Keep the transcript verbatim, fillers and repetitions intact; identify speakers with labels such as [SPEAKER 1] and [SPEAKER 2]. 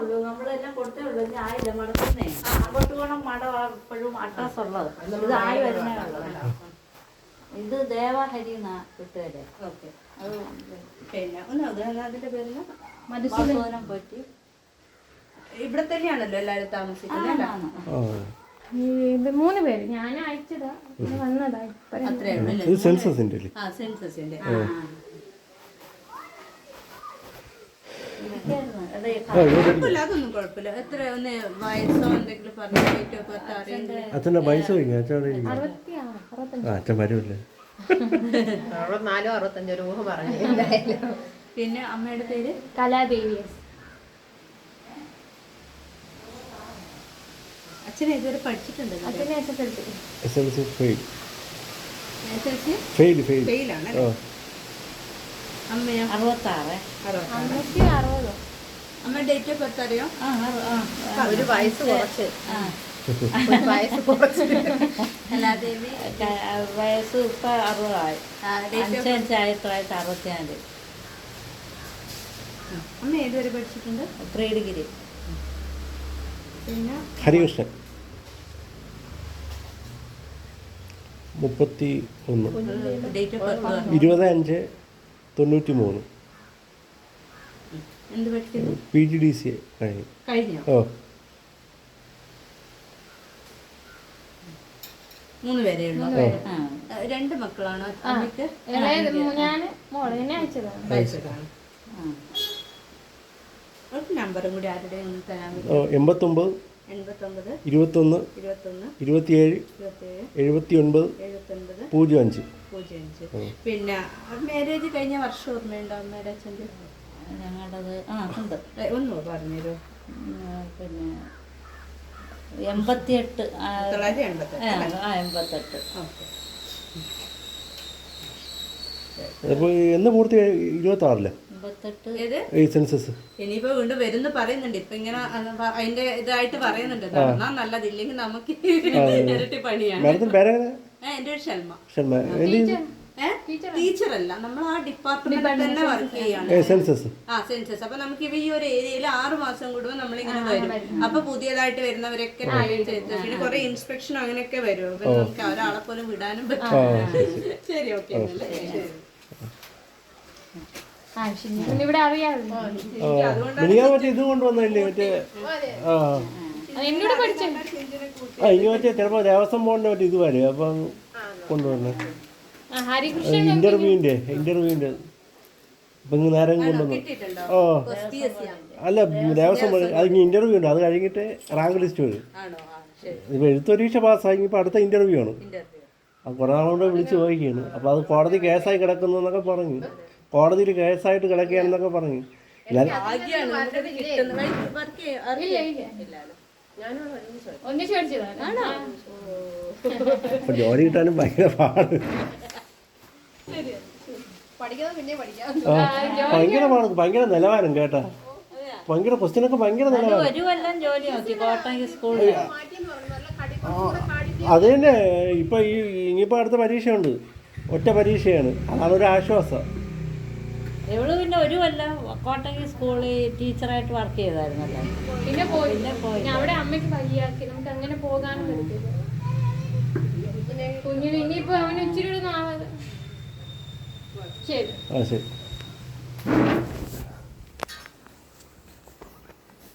[SPEAKER 1] ഉള്ളൂ, നമ്മളെല്ലാം കൊടുത്തേ ഉള്ളൂ. ഇനി ആയില്ല മടക്കുന്നേ. അങ്ങോട്ട് പോകണം മടം എപ്പോഴും അഡ്രസ് ഉള്ളത്. ഇത് ആയി വരുന്നേ ഉള്ളത്. ഇത് ദേവഹരി എന്നാ കിട്ടുകയല്ലേ.
[SPEAKER 2] ഓക്കെ. പിന്നെ ഒന്ന് അതിന്റെ പേരില്
[SPEAKER 1] മധുസൂദനം പറ്റി
[SPEAKER 2] ഇവിടെ തന്നെയാണല്ലോ എല്ലാവരും താമസിക്കുന്നത്.
[SPEAKER 3] ഇത് മൂന്ന് പേര് ഞാൻ അയച്ചതാ, വന്നതാ.
[SPEAKER 2] അത്രേ ഉള്ളൂ.
[SPEAKER 4] സെൻസസിന്റെ
[SPEAKER 2] ആ സെൻസസിന്റെ കുഴപ്പമില്ല, അതൊന്നും കുഴപ്പമില്ല. എത്ര ഒന്ന് വയസ്സോ എന്തെങ്കിലും പറഞ്ഞു ഡേറ്റ് ഓഫ് ബർത്ത് അറിയില്ല.
[SPEAKER 4] അച്ഛൻ്റെ പൈസ അച്ഛൻ വരൂല്ലേ?
[SPEAKER 5] അറുപത്തിനാലോ അറുപത്തഞ്ചോ രൂപ പറഞ്ഞു എന്തായാലും.
[SPEAKER 2] പിന്നെ അമ്മയുടെ പേര്
[SPEAKER 3] കലാദേവി.
[SPEAKER 2] അച്ഛനെ ഇതുവരെ പഠിച്ചിട്ടുണ്ട്.
[SPEAKER 3] അച്ഛനെ S S L C
[SPEAKER 4] S L C fail
[SPEAKER 2] S L C
[SPEAKER 4] fail fail
[SPEAKER 2] ഫെയിലാണ്. അമ്മയോ?
[SPEAKER 1] അറുപത്താറ്.
[SPEAKER 3] അമ്മയ്ക്ക് അറുപതോ?
[SPEAKER 2] അമ്മ ഡേറ്റ് ഓഫ് ബർത്ത് അറിയോ?
[SPEAKER 5] ഒരു വയസ്സ് കുറച്ച് വയസ്സ് കുറച്ച്
[SPEAKER 2] കലാദേവി
[SPEAKER 1] വയസ്സ് ഇപ്പൊ അറുപതായി. അഞ്ചഞ്ച് ആയിരത്തി തൊള്ളായിരത്തി അറുപത്തിനാല്.
[SPEAKER 2] അമ്മ ഏതുവരെ പഠിച്ചിട്ടുണ്ട്?
[SPEAKER 1] Pre degree.
[SPEAKER 2] പിന്നെ
[SPEAKER 4] ഹരികൃഷ്ണൻ മുപ്പത്തി ഒന്ന്
[SPEAKER 2] ഡേറ്റ് ഓഫ് ബർത്ത്
[SPEAKER 4] ഇരുപത് അഞ്ച് തൊണ്ണൂറ്റി മൂന്ന്.
[SPEAKER 2] എന്ത് പഠിക്കുന്നു?
[SPEAKER 4] പി ജി ഡി സി കഴിഞ്ഞു.
[SPEAKER 2] കഴിഞ്ഞോ?
[SPEAKER 4] ഓ
[SPEAKER 2] മൂന്ന് പേരേ ഉള്ളൂ. രണ്ട് മക്കളാണോ അമ്മയ്ക്ക്?
[SPEAKER 3] ഞാന് മോളെ എന്നെ അയച്ചതാണ്.
[SPEAKER 2] അയച്ചതാണ്. ഒരു നമ്പറും കൂടി ആരുടെ ഒന്ന് തരാൻ
[SPEAKER 4] ഓ എൺപത്തൊമ്പത്
[SPEAKER 2] എൺപത്തൊമ്പത്
[SPEAKER 4] ഇരുപത്തൊന്ന്
[SPEAKER 2] ഇരുപത്തൊന്ന്
[SPEAKER 4] ഇരുപത്തിയേഴ്
[SPEAKER 2] ഇരുപത്തേഴ്
[SPEAKER 4] എഴുപത്തി ഒൻപത്
[SPEAKER 2] എഴുപത്തൊൻപത്
[SPEAKER 4] പൂജ്യം അഞ്ച്
[SPEAKER 2] പൂജ്യം അഞ്ച്. പിന്നെ മാരേജ് കഴിഞ്ഞ വർഷം ഓർമ്മയുണ്ടോ അമ്മയുടെ അച്ഛൻ്റെ?
[SPEAKER 1] ഞങ്ങളുടേത് ആ ഉണ്ട്.
[SPEAKER 2] ഒന്നോ പറഞ്ഞുതരോ?
[SPEAKER 1] പിന്നെ എൺപത്തിയെട്ട്
[SPEAKER 2] തൊള്ളായിരത്തി എൺപത്തി
[SPEAKER 1] ആ എൺപത്തെട്ട്.
[SPEAKER 2] ഓക്കെ.
[SPEAKER 4] അപ്പോൾ എന്ന് പൂർത്തി ഇരുപത്തി ആറില്ല
[SPEAKER 1] എൺപത്തെട്ട്
[SPEAKER 2] ഏത്
[SPEAKER 4] ഈ സെൻസസ്
[SPEAKER 2] ഇനിയിപ്പോ വീണ്ടും വരുന്നു പറയുന്നുണ്ട്. ഇപ്പൊ ഇങ്ങനെ അതിന്റെ ഇതായിട്ട് പറയുന്നുണ്ട്. നടന്നാ നല്ലതില്ലെങ്കിൽ നമുക്ക് ഇരട്ടി പണിയാണ്.
[SPEAKER 4] മാഡത്തിന് പേരെങ്ങനെ?
[SPEAKER 2] എന്റെ ഒരു ഷൽമ.
[SPEAKER 4] ഷൽമ
[SPEAKER 2] ടീച്ചറല്ല, നമ്മൾ ആ ഡിപ്പാർട്ട്മെന്റിൽ തന്നെ വർക്ക് ചെയ്യാണ്.
[SPEAKER 4] സെൻസസ്
[SPEAKER 2] ആ സെൻസസ്. അപ്പൊ നമുക്ക് ഈ ഒരു ഏരിയയിൽ ആറ് മാസം കൂടുമ്പോൾ നമ്മളിങ്ങനെ വരും. അപ്പൊ പുതിയതായിട്ട് വരുന്നവരൊക്കെ പിന്നെ കുറെ ഇൻസ്പെക്ഷൻ അങ്ങനെയൊക്കെ വരും. അപ്പൊ നമുക്ക് ഒരാളെ പോലും വിടാനും പറ്റും. ശരി, ഓക്കെ.
[SPEAKER 3] ഇവിടെ അറിയാമല്ലോ.
[SPEAKER 4] മിനിയാ മറ്റേ ഇത് കൊണ്ടുവന്നില്ലേ മറ്റേ ആ
[SPEAKER 3] എന്നോട് പഠിച്ചു.
[SPEAKER 4] ആ ഇനി മറ്റേ ചിലപ്പോൾ ദേവസ്വം ബോർഡിൻ്റെ മറ്റേ ഇത് വരും അപ്പം കൊണ്ടുവന്നെ ഇന്റർവ്യൂവിൻ്റെ ഇന്റർവ്യൂവിൻ്റെ അപ്പം ഇങ്ങ് നേരം കൊണ്ടുവന്നു. ഓ അല്ല ദേവസ്വം ബോർഡ് അത് ഇനി ഇന്റർവ്യൂ ഉണ്ട്. അത് കഴിഞ്ഞിട്ട് റാങ്ക് ലിസ്റ്റ് വരും. ഇപ്പോൾ എഴുത്ത് പരീക്ഷ പാസ്സായി ഇപ്പോൾ അടുത്ത ഇന്റർവ്യൂ ആണ്. അത് കുറേ നാളുകൊണ്ട് വിളിച്ച് ചോദിക്കുകയാണ്. അപ്പോൾ അത് കോടതി കേസായി കിടക്കുന്നു എന്നൊക്കെ പറഞ്ഞു. കോടതിയിൽ കേസായിട്ട് കിടക്കുകയാണെന്നൊക്കെ പറഞ്ഞു. അപ്പൊ ജോലി കിട്ടാനും ഭയങ്കര പാട്. ഭയങ്കര പാട്, ഭയങ്കര നിലവാരം കേട്ടാ. ഭയങ്കര ക്വസ്റ്റ്യനൊക്കെ ഭയങ്കര നിലവാരം. അത് തന്നെ ഇപ്പൊ ഈ ഇനിയിപ്പോ അടുത്ത പരീക്ഷയുണ്ട്. ഒറ്റ പരീക്ഷയാണ്. അതാണ് ഒരു ആശ്വാസം.
[SPEAKER 1] ഇവള് പിന്നെ ഒരു കൊല്ലം കോട്ടയം സ്കൂളിൽ ടീച്ചറായിട്ട് വർക്ക് ചെയ്തായിരുന്നല്ലോ.
[SPEAKER 3] പിന്നെ പോയി പിന്നെ പോയി അവിടെ അമ്മയ്ക്ക് വയ്യാക്കി നമുക്ക് അങ്ങനെ പോകാനും പറ്റില്ല. കുഞ്ഞിന് ഇനിയിപ്പോ അവന് ഇച്ചിരി നാളെ. ശരി
[SPEAKER 4] ആ ശരി.